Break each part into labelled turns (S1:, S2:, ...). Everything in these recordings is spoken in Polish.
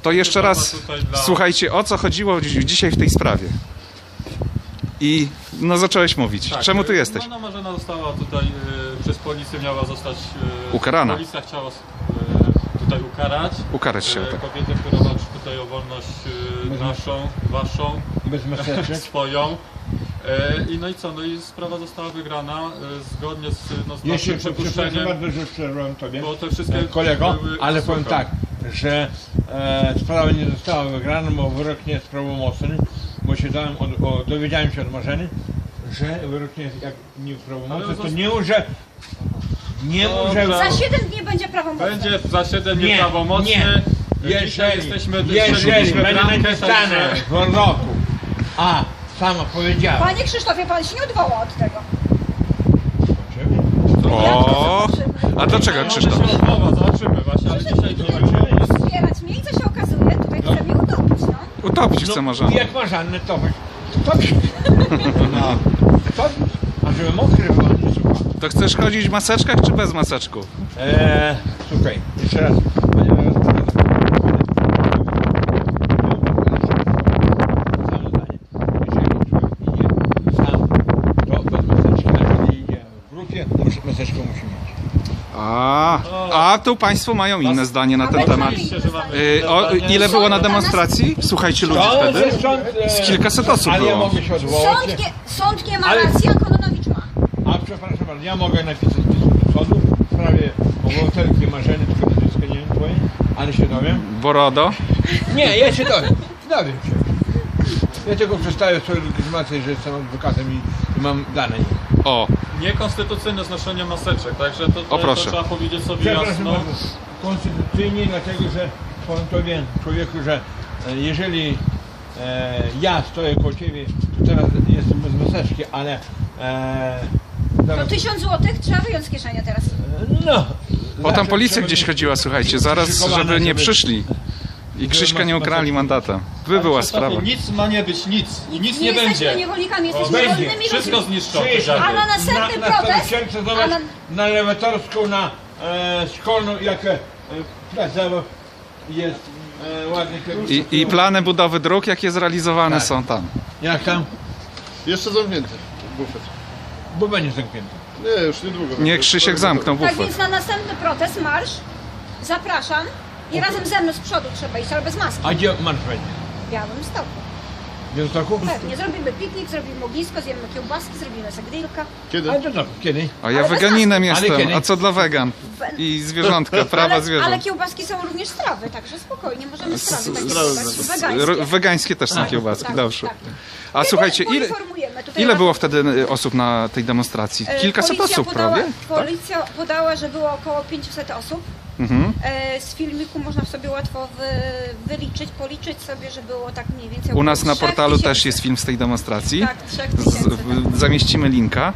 S1: To jeszcze raz, słuchajcie, o co chodziło dzisiaj w tej sprawie. I no zacząłeś mówić.
S2: Tak,
S1: Czemu tu jesteś?
S2: No Marzena została tutaj przez policję, miała zostać
S1: ukarana.
S2: Policja chciała tutaj
S1: Ukarać się, tak.
S2: kobietę, która walczy tutaj o wolność naszą, waszą,
S3: bez maseczek,
S2: swoją. I no i co? No i sprawa została wygrana zgodnie z
S3: jeszcze
S2: naszym przepuszczeniem.
S3: bardzo, że przerwałem tobie,
S2: Bo te wszystkie
S3: kolego,
S2: były,
S3: ale powiem tak, że sprawa nie została wygrana, bo wyrok nie jest prawomocny, bo się dowiedziałem się od Marzeny, że wyrok nie jest jak nieprawomocny, to nie może...
S4: Za 7 dni będzie prawomocny.
S2: Będzie za 7 dni prawomocny.
S3: Nie. Jeżeli będzie napisane w wyroku, a sama powiedziała...
S4: Panie Krzysztofie, pan się nie odwoła od tego.
S1: O, a do czego, Krzysztof?
S2: Zobaczymy właśnie, ale dzisiaj nie
S4: Wspierać mnie i co się okazuje, tutaj chce mnie utopić, no.
S1: Utopić chce Marzena.
S3: Jak masz Annę, to no. A żeby mokry była, nie słucha.
S1: To chcesz chodzić w maseczkach czy bez maseczków?
S3: Słuchaj, jeszcze raz.
S1: A tu państwo mają inne zdanie na ten temat. Ile było na demonstracji? Słuchajcie ludzi wtedy? Z kilkaset osób
S3: Ale ja
S1: było.
S3: mogę się odwołać.
S4: Sąd nie ma racji, a Kononowicz ma.
S3: A przepraszam bardzo, ja mogę napisać do sądu w sprawie obywatelki Marzeny, tylko nazwiska nie wiem twoje, ale się dowiem.
S1: Borodo?
S3: Nie, ja się dowiem. Dowiem się. Ja tylko przedstawię swoją legitymację, że jestem adwokatem i mam dane.
S1: O.
S2: Niekonstytucyjne znoszenie maseczek, także to trzeba powiedzieć sobie jasno.
S3: Konstytucyjnie, dlatego że powiem tobie, człowieku, że jeżeli ja stoję koło ciebie, to teraz jestem bez maseczki, ale
S4: To 1000 zł trzeba wyjąć z kieszeni teraz.
S3: no.
S1: Bo tam policja gdzieś chodziła, słuchajcie, zaraz, żeby nie przyszli. I Krzyśka nie ukrali mandatem. Była sprawa.
S2: Nic ma nie być, nic. I nic nie
S4: jesteśmy
S2: będzie.
S4: niewolnikami, jesteśmy
S3: będzie.
S4: wolnymi
S2: Wszystko
S4: ludźmi.
S2: zniszczone.
S4: A na następny protest...
S3: Na Lewatorską, na Szkolną, jak plac zabaw jest ładny.
S1: I plany budowy dróg, jakie zrealizowane są tam.
S3: Jak tam?
S5: Jeszcze zamknięty bufet.
S3: Bo będzie zamknięty.
S5: Nie, już niedługo.
S1: Nie, Krzysiek zamknął
S4: Tak
S1: bufet.
S4: więc na następny protest, marsz, zapraszam i razem ze mną z przodu trzeba iść, ale bez maski.
S3: A gdzie marsz będzie?
S4: W Białymstoku.
S3: W Białymstoku?
S4: Pewnie, zrobimy piknik, zrobimy ognisko, zjemy kiełbaski, zrobimy zagrilka.
S5: Kiedy?
S3: Ale to dobrze, kiedy?
S1: A ja
S4: Ale bez
S1: weganinem
S3: maski. Ale
S1: jestem,
S3: kiedy?
S1: a co dla wegan? I zwierzątka, prawa
S4: Ale
S1: zwierząt.
S4: kiełbaski są również z trawy, także spokojnie, możemy z trawy takie
S5: Strawy
S4: kiełbaski wegańskie.
S1: Wegańskie też są kiełbaski,
S4: tak,
S1: dobrze.
S4: tak.
S1: A słuchajcie,
S4: Poinformujemy. Tutaj
S1: ile było wtedy osób na tej demonstracji? Kilkaset osób prawie?
S4: Policja podała, że było około 500 osób.
S1: Mhm.
S4: Z filmiku można sobie łatwo wyliczyć, policzyć sobie, że było tak mniej więcej.
S1: U nas na
S4: 3000.
S1: portalu też jest film z tej demonstracji.
S4: Tak, 3000.
S1: Zamieścimy linka.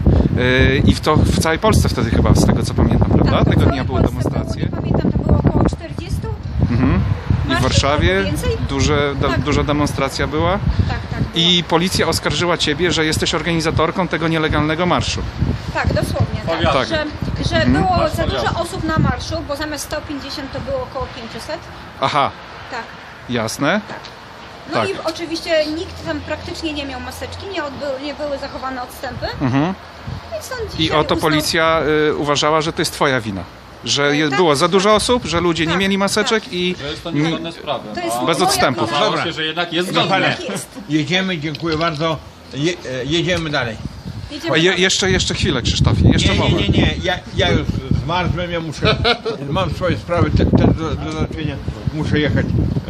S1: I w całej Polsce wtedy chyba, z tego co pamiętam, prawda?
S4: Tak,
S1: Tego
S4: w
S1: dnia były
S4: całej Polsce
S1: demonstracje.
S4: Było, nie pamiętam, to było około 40.
S1: Mhm. I w
S4: Marszy
S1: Warszawie
S4: było więcej? Tak.
S1: duża demonstracja była.
S4: Tak, tak. Było.
S1: I policja oskarżyła ciebie, że jesteś organizatorką tego nielegalnego marszu.
S4: Tak, dosłownie. Tak,
S1: Tak.
S4: że było
S2: Marsz
S4: za
S2: powiatu.
S4: dużo osób na marszu, bo zamiast 150 to było około 500.
S1: Aha,
S4: Tak.
S1: jasne.
S4: No
S1: Tak.
S4: i oczywiście nikt tam praktycznie nie miał maseczki, nie były zachowane odstępy.
S1: Mhm.
S4: I, sąd
S1: I
S4: dzisiaj
S1: oto
S4: uznał-
S1: policja uważała, że to jest twoja wina. Że
S4: Tak,
S1: było za dużo osób, że ludzie nie
S4: tak,
S1: mieli maseczek
S4: tak.
S1: i
S2: Że jest to niezgodne z prawem.
S4: To jest
S2: a
S1: bez
S4: moja
S1: odstępów.
S4: wina.
S2: okazało
S3: Dobra.
S2: się, że jednak jest
S4: Że
S2: zgodne.
S4: jednak jest.
S3: Jedziemy, dziękuję bardzo. Jedziemy dalej.
S4: Jedziemy
S1: A
S4: dalej.
S1: jeszcze chwilę, Krzysztofie, jeszcze
S3: Nie,
S1: moment.
S3: nie. Ja już zmarzłem, ja muszę, mam swoje sprawy też do załatwienia. Muszę jechać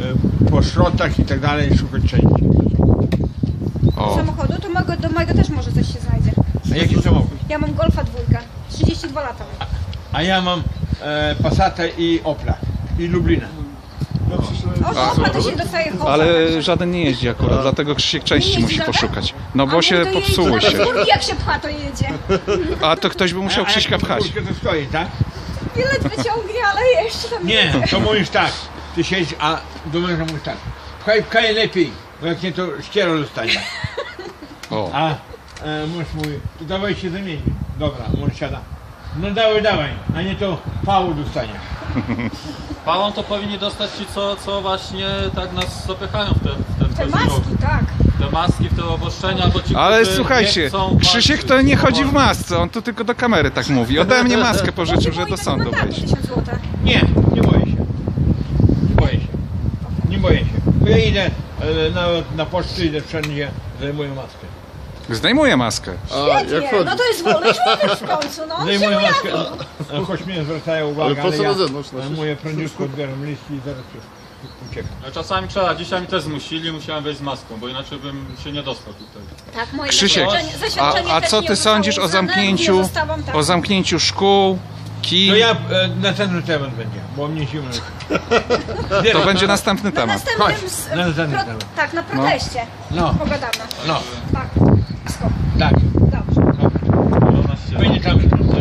S3: po szrotach i tak dalej, szukać części.
S1: O.
S4: Samochodu, to do mojego też może coś się znajdzie.
S3: A jaki samochód?
S4: Ja mam Golfa 2, 32 lata.
S3: A ja mam Passata i Opla. I Lublina.
S4: O, Opla to się dostaje hopa.
S1: Ale żaden nie jeździ akurat, dlatego Krzysiek części
S4: Nie
S1: musi
S4: jeździ
S1: poszukać. No bo
S4: A
S1: się
S4: mój to
S1: popsuły
S4: jeździ,
S1: się.
S4: nawet furki jak się pcha, to jedzie.
S1: A to ktoś by musiał Krzyśka pchać.
S3: To stoi, tak?
S4: Bilet wyciągnie, ale jeszcze tam
S3: Nie, to mówisz tak. Ty siedzisz, a do męża mówisz tak. Pchaj lepiej, bo jak nie to ściero dostanie.
S1: O.
S3: A mąż mówi, to dawaj się zamieni. Dobra, mąż siada. No dawaj, a nie to pału dostanie.
S2: Chwałą to powinni dostać ci, co właśnie tak nas zapychają w ten
S4: Te
S2: kozioł.
S4: maski, tak.
S2: Te maski, w te obostrzenia, bo ci,
S1: Ale
S2: którzy nie
S1: słuchajcie,
S2: chcą
S1: Krzysiek
S2: walczyć
S1: to nie
S2: z
S1: chodzi w
S2: powodem.
S1: masce, on tu tylko do kamery tak mówi. Ode mnie maskę pożyczył, że do sądu wejść.
S4: 1000 zł.
S3: Nie, nie boję się. Nie boję się. Nie boję się. Bo ja idę nawet na pocztę, idę wszędzie, zajmuję maskę.
S1: Zdejmuje maskę.
S5: A jak
S4: Świetnie,
S5: chodzi?
S4: no to jest wolny człowiek w końcu, no.
S3: Zdejmuję
S4: się
S3: maskę,
S4: ujawnił.
S3: choć mnie zwracają uwagę,
S5: Ale po co
S3: ja
S5: na zewnątrz nosisz?
S3: zajmuję prędziutko, odbieram list i zaraz uciekam.
S2: No, czasami trzeba, dzisiaj mi też zmusili, musiałem wejść z maską, bo inaczej bym się nie dostał tutaj.
S4: Tak, moje
S1: Krzysiek,
S4: zaświadczenie
S1: a
S4: też
S1: co
S4: nie
S1: ty
S4: zostało
S1: sądzisz o
S4: uznane,
S1: zamknięciu,
S4: nie zostałam, tak.
S1: o zamknięciu szkół, kin?
S3: To ja następny temat będzie, bo mnie zimno.
S1: To będzie następny
S4: Na
S1: temat.
S4: następnym,
S3: Chodź, na następny temat.
S4: tak, na proteście.
S3: No.
S4: Pogadamy.
S3: No,
S4: Tak. Wszystko.
S3: tak.
S4: Dobrze.
S2: Ona się...
S3: Będzie tam